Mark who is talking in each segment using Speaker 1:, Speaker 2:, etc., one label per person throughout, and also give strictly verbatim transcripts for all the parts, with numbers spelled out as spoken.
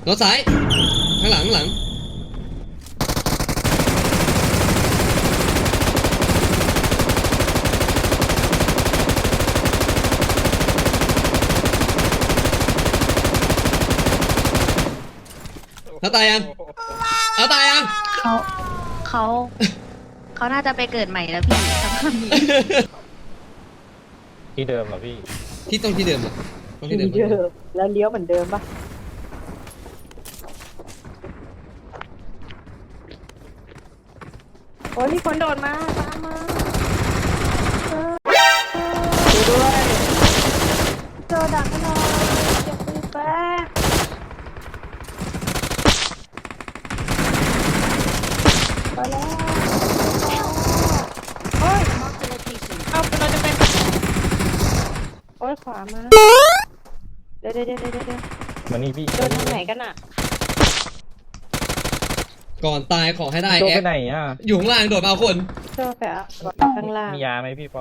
Speaker 1: รถซ้ายข้างหลังข้างหลังเขาตายยังเขาตายยัง
Speaker 2: เขาเขาเขาน่าจะไปเกิดใหม่แล้วพี่สภาพนี้
Speaker 3: ที่เดิมเหรอพี่
Speaker 1: ที่ต้องที่เดิมอ่ะต้องที่เดิม
Speaker 4: แล้วเลี้ยวเหมือนเดิมปะโอ้ยมีคนโดดมาตามมาดูด้วยโจดักกันหน่อยเก็บปืนแป๊บไปแล้วโอ้ยเอาเราจะเป็นโอ้ยขวามาเดี๋ยวเดี๋ยวเดี๋ยวเดี๋ยว
Speaker 3: มานี่พี่
Speaker 4: โดนทางไหนกันอ่ะ
Speaker 1: ก่อนตายขอให้ได้
Speaker 3: โดน
Speaker 1: แอ
Speaker 3: ไป
Speaker 1: ฟ
Speaker 3: ไหนอ่ะ
Speaker 1: อยู่ข้างล่างโดดมาเอาคน
Speaker 4: โดนแฝงข้างล่าง
Speaker 3: มียาไหมพี่ปอ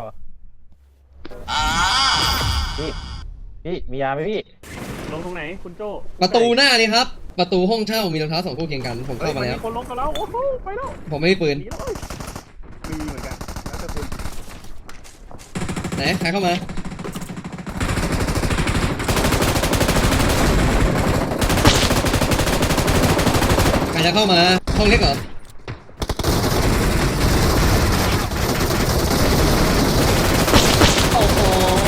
Speaker 3: พี่พี่มียาไหมพี่
Speaker 5: ลงตรงไหนคุณโจ้
Speaker 1: ประตูหน้านี่ครับประตูห้องเช่ามีรองเท้าสองคู่เคียงกันผมเข้ามาแล้ว
Speaker 5: คนลงกันแล้วโอ้โหไปแล้ว
Speaker 1: ผมไม่มีปืน
Speaker 5: มีเหมือนกันแล้วแต่คุณ
Speaker 1: ไหนใครเข้ามาใครจะเข้ามาห้องเล็กเหรอ
Speaker 2: โอ้โห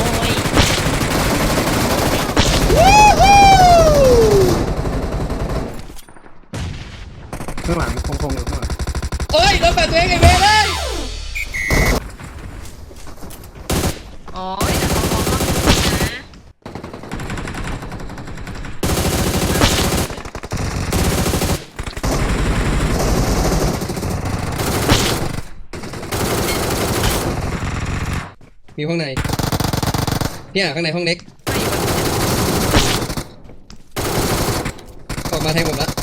Speaker 5: ข้างหลังคงคงอยู่ข้างหลัง
Speaker 1: เอ้ยโดนแปดตัวเองไอ้เวรเลย
Speaker 2: อ๋อเดี๋ยวเขามอง
Speaker 1: มีห้องในพี่อ่ะข้างในห้องเล็กออกมาแทงผมละ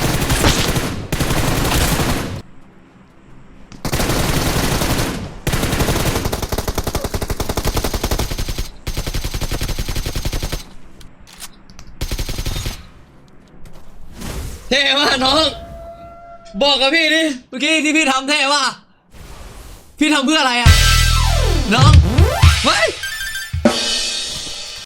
Speaker 1: เท่ว่ะน้องบอกกับพี่ดิเมื่อกี้ที่พี่ทำเท่ว่ะพี่ทำเพื่ออะไรอ่ะน้องเฮ้ย